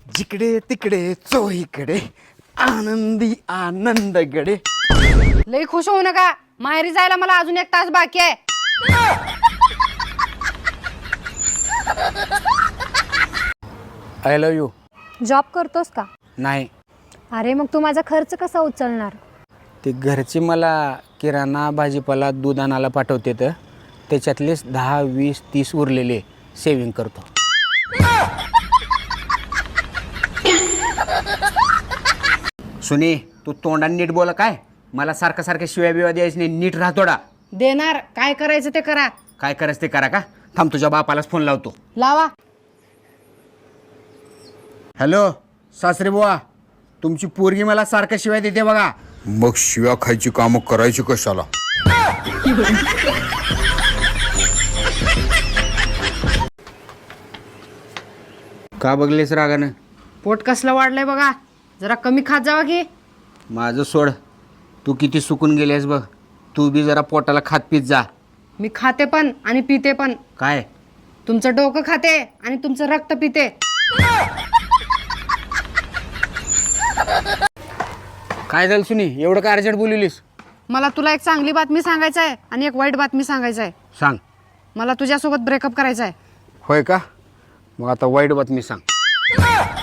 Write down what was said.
जिकडे तिकडे चोहीकडे आनंदी आनंदगडे. लई खुश होऊ नका, माहेरी जायला मला अजून 1 तास बाकी आहे. I love you. जॉब करतोस का? नाही, अरे मग तू माझा खर्च कसा उचलणार? ते घरचे मला किराणा भाजीपाला दूध आणायला पाठवते, तर त्याच्यातलेच 10, 20, 30 उरलेले सेविंग करतो. सुनी, तू तोंडाने नीट बोला. काय मला सारखं सारखं शिव्या बिव्या द्यायचं नाही, नीट राहतोडा. देणार, काय करायचं ते करा. काय करायचं ते करा. का थांब, तुझ्या बापालाच फोन लावतो. लावा. हॅलो सासरे बुवा, तुमची पोरगी मला सारखं शिवाय देते बघा. मग शिव्या खायची कामं करायची कशाला? का बघलेस रागानं? पोट कसलं वाढलंय बघा, जरा कमी खात जावा की. माझं सोड, तू किती सुकून गेलेस बघ. तू बी जरा पोटाला खात पीत जा. मी खाते पण आणि पिते पण. काय तुमचं डोकं खाते आणि तुमचं रक्त पिते. काय झालं सुनी, एवढं काय अर्जंट बोललीस? मला तुला एक चांगली बातमी सांगायचं आहे आणि एक वाईट बातमी सांगायचं आहे. सांग. मला तुझ्यासोबत ब्रेकअप करायचा आहे. होय का? मग आता वाईट बातमी सांग.